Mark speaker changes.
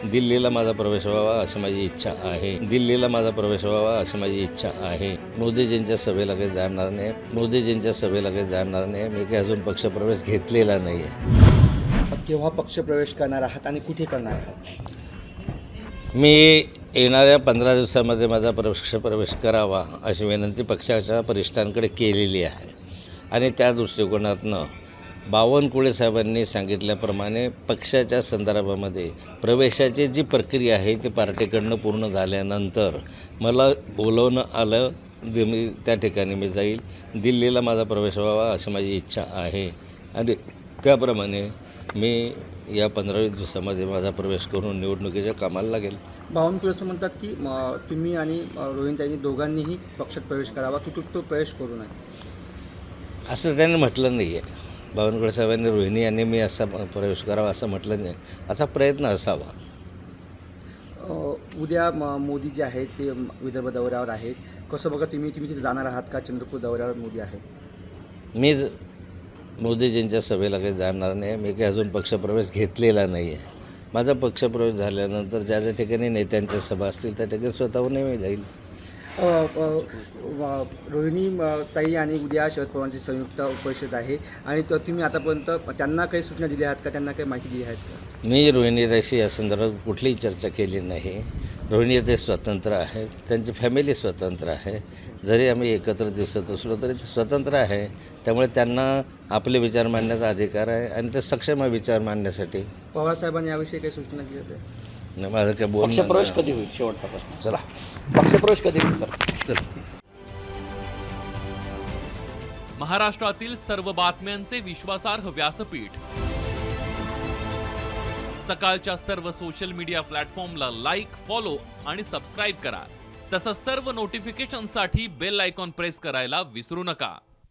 Speaker 1: दिल्लीला माझा प्रवेश व्हावा अशी माझी इच्छा आहे. दिल्लीला माझा प्रवेश व्हावा अशी माझी इच्छा आहे. मोदीजींच्या सभेला काही जाणार नाही. मोदीजींच्या सभेला काही जाणार नाही. मी काही अजून पक्षप्रवेश घेतलेला नाही आहे.
Speaker 2: केव्हा पक्षप्रवेश करणार आहात आणि कुठे करणार आहात?
Speaker 1: मी येणाऱ्या 15 दिवसामध्ये माझा पक्षप्रवेश करावा अशी विनंती पक्षाच्या वरिष्ठांकडे केलेली आहे आणि त्या दृष्टिकोनातनं बावनकुळे साहेबांनी सांगितल्याप्रमाणे पक्षाच्या संदर्भामध्ये प्रवेशाची जी प्रक्रिया आहे ती पार्टीकडनं पूर्ण झाल्यानंतर मला बोलवणं आलं. मी त्या ठिकाणी मी जाईल. दिल्लीला माझा प्रवेश व्हावा अशी माझी इच्छा आहे आणि त्याप्रमाणे मी या 15-20 दिवसामध्ये माझा प्रवेश करून निवडणुकीच्या कामाला लागेल.
Speaker 2: बावनकुळे असं म्हणतात की तुम्ही आणि रोहिणताईंनी दोघांनीही पक्षात प्रवेश करावा, तो प्रवेश करू नये
Speaker 1: असं त्यांनी म्हटलं नाही आहे. बावनकुळे साहेबांनी रोहिणी यांनी मी असा प्रवेश करावा असं म्हटलं नाही. असा प्रयत्न असावा.
Speaker 2: उद्या मोदी जे आहेत ते विदर्भ दौऱ्यावर आहेत. कसं बघा तुम्ही तिथे जाणार आहात का? चंद्रपूर दौऱ्यावर मोदी आहे.
Speaker 1: मी मोदीजींच्या सभेला काही जाणार नाही. मी काही अजून पक्षप्रवेश घेतलेला नाही आहे. माझा पक्षप्रवेश झाल्यानंतर ज्या ज्या ठिकाणी नेत्यांच्या सभा असतील त्या ठिकाणी स्वतःहूनही मी जाईल.
Speaker 2: रोहिणी ताई आणि उद्या शरद पवारांची संयुक्त परिषद आहे आणि तुम्ही आतापर्यंत त्यांना काही सूचना दिल्या आहेत का? त्यांना काही माहिती दिली आहेत का?
Speaker 1: मी रोहिणीताईशी या संदर्भात कुठलीही चर्चा केली नाही. रोहिणीताई स्वतंत्र आहेत. त्यांची फॅमिली स्वतंत्र आहे. जरी आम्ही एकत्र दिसत असलो तरी ते स्वतंत्र आहे. त्यामुळे त्यांना आपले विचार मांडण्याचा अधिकार आहे आणि ते सक्षम आहे विचार मांडण्यासाठी.
Speaker 2: पवारसाहेबांनी याविषयी काही सूचना दिल्या होत्या?
Speaker 1: नाही, माझं काय
Speaker 3: पक्षप्रवेश कधी होईल? शेवटचा प्रश्न.
Speaker 1: चला
Speaker 3: पक्षप्रवेश कधी होईल सर?
Speaker 1: चल.
Speaker 4: महाराष्ट्रातील सर्व बातम्यांचे विश्वासार्ह व्यासपीठ सकाळच्या सर्व सोशल मीडिया प्लॅटफॉर्मला लाईक, फॉलो आणि सबस्क्राईब करा. तसंच सर्व नोटिफिकेशनसाठी बेल आयकॉन प्रेस करायला विसरू नका.